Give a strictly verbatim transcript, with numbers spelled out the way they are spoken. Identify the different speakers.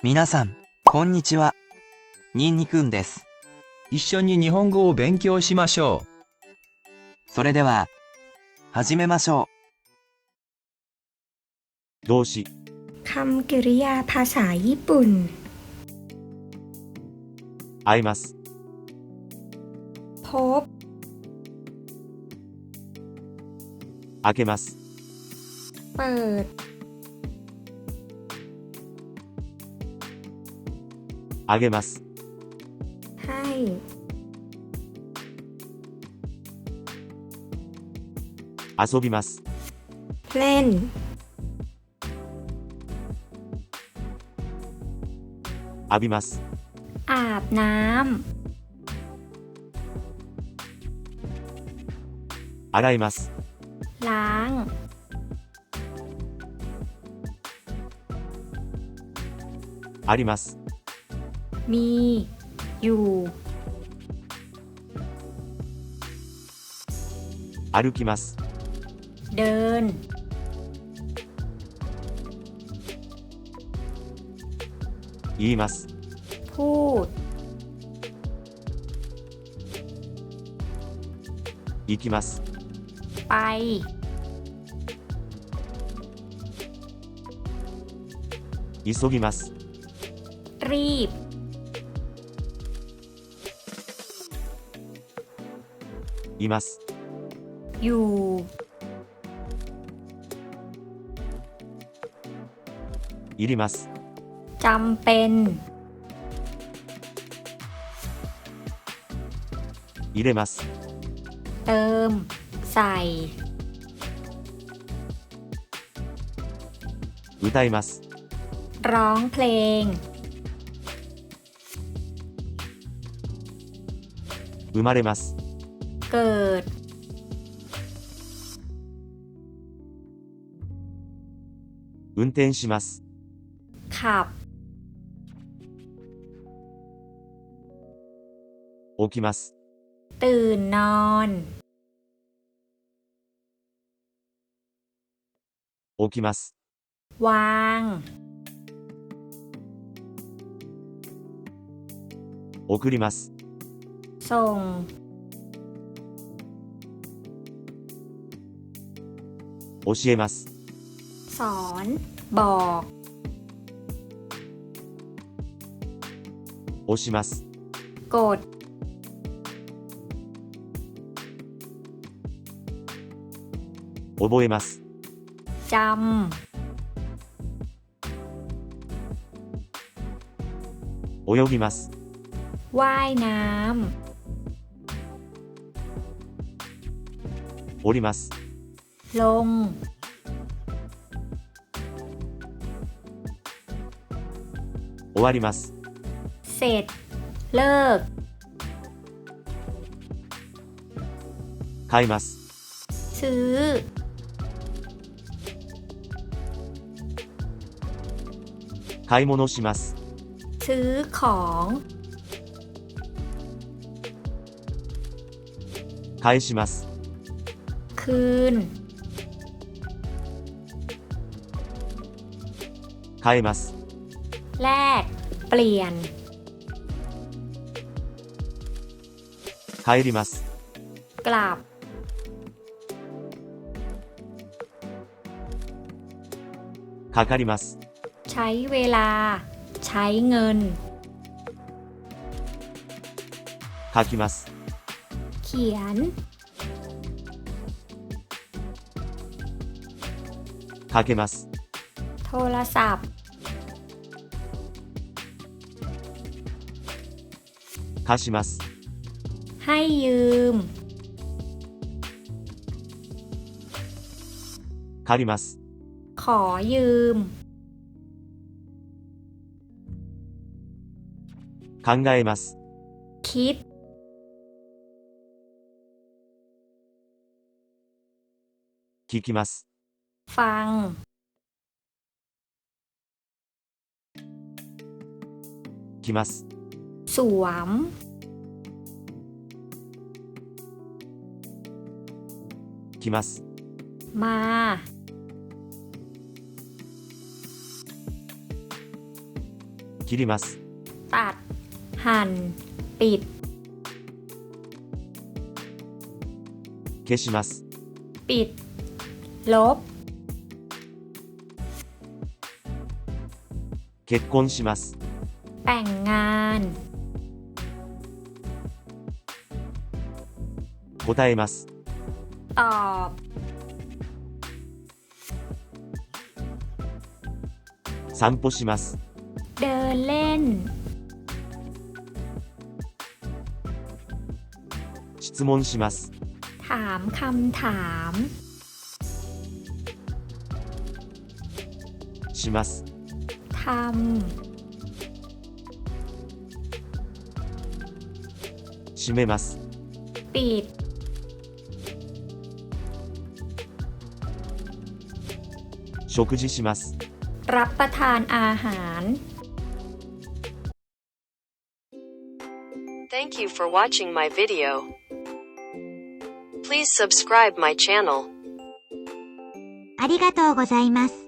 Speaker 1: 皆さん、こんにちは。ニンニクンです。
Speaker 2: 一緒に日本語を勉強しましょう。
Speaker 1: それでは、始めましょ
Speaker 3: う。動詞。
Speaker 4: คำกริยาภาษาญี่ปุ่น
Speaker 3: 会います。
Speaker 4: พบ
Speaker 3: 開けます。
Speaker 4: เปิด
Speaker 3: あげます。
Speaker 4: ให้
Speaker 3: 遊びます。
Speaker 4: เล่น
Speaker 3: 浴びます。
Speaker 4: อาบน้ำ
Speaker 3: 洗います。
Speaker 4: ล้าง
Speaker 3: あります。
Speaker 4: มี อยู่
Speaker 3: 歩きます。
Speaker 4: เดิน
Speaker 3: 言います。
Speaker 4: พูด
Speaker 3: 行きます。
Speaker 4: ไป
Speaker 3: 急ぎます。
Speaker 4: รีบ
Speaker 3: います。
Speaker 4: อยู่
Speaker 3: いります。
Speaker 4: จำเป็น
Speaker 3: 入れます。
Speaker 4: เติม ใส่
Speaker 3: 歌います。
Speaker 4: ร้องเพลง
Speaker 3: 生まれます。
Speaker 4: เกิด
Speaker 3: 運転します。
Speaker 4: ขับ
Speaker 3: 起きます。
Speaker 4: ตื่นนอน
Speaker 3: 起きます。
Speaker 4: วาง
Speaker 3: 送ります。
Speaker 4: ส่ง
Speaker 3: 教えます。
Speaker 4: สอน บอก
Speaker 3: 押します。
Speaker 4: กด
Speaker 3: 覚えます。
Speaker 4: จำ
Speaker 3: 泳ぎます。
Speaker 4: ว่ายน้ำ
Speaker 3: 降ります。
Speaker 4: ลง
Speaker 3: 終わります。
Speaker 4: เสร็จ เลิก
Speaker 3: 買います。
Speaker 4: ซื้อ
Speaker 3: 買い物します。
Speaker 4: ซื้อของ
Speaker 3: 返します。
Speaker 4: คืน
Speaker 3: 変えます。
Speaker 4: แลก เปลี่ยน
Speaker 3: 帰ります。
Speaker 4: กลับ
Speaker 3: かかります。
Speaker 4: ใช้เวลา ใช้เงิน
Speaker 3: 書きます。
Speaker 4: เขียน
Speaker 3: かけます。
Speaker 4: โทรศัพท์
Speaker 3: 貸します。
Speaker 4: ให้ยืม
Speaker 3: 借ります。
Speaker 4: ขอยืม
Speaker 3: 考えます。
Speaker 4: คิด
Speaker 3: 聞きます。
Speaker 4: ฟัง
Speaker 3: 来ます。
Speaker 4: สวม
Speaker 3: 来ます。
Speaker 4: มา
Speaker 3: 来切ります。
Speaker 4: ตัด หั่น ปิด
Speaker 3: 消します。
Speaker 4: ปิด ลบ
Speaker 3: 結婚します。
Speaker 4: แต่งงาน
Speaker 3: 答えます。
Speaker 4: ตอบ
Speaker 3: 散歩します。
Speaker 4: เดินเล่น
Speaker 3: 質問します。
Speaker 4: ถามคำถาม
Speaker 3: します。
Speaker 4: ท
Speaker 3: 閉めます。
Speaker 4: ำ ปิด
Speaker 3: 食事します。
Speaker 4: รับประทานอาหาร
Speaker 5: Thank you for watching my video. Please subscribe my channel.
Speaker 6: ありがとうございます。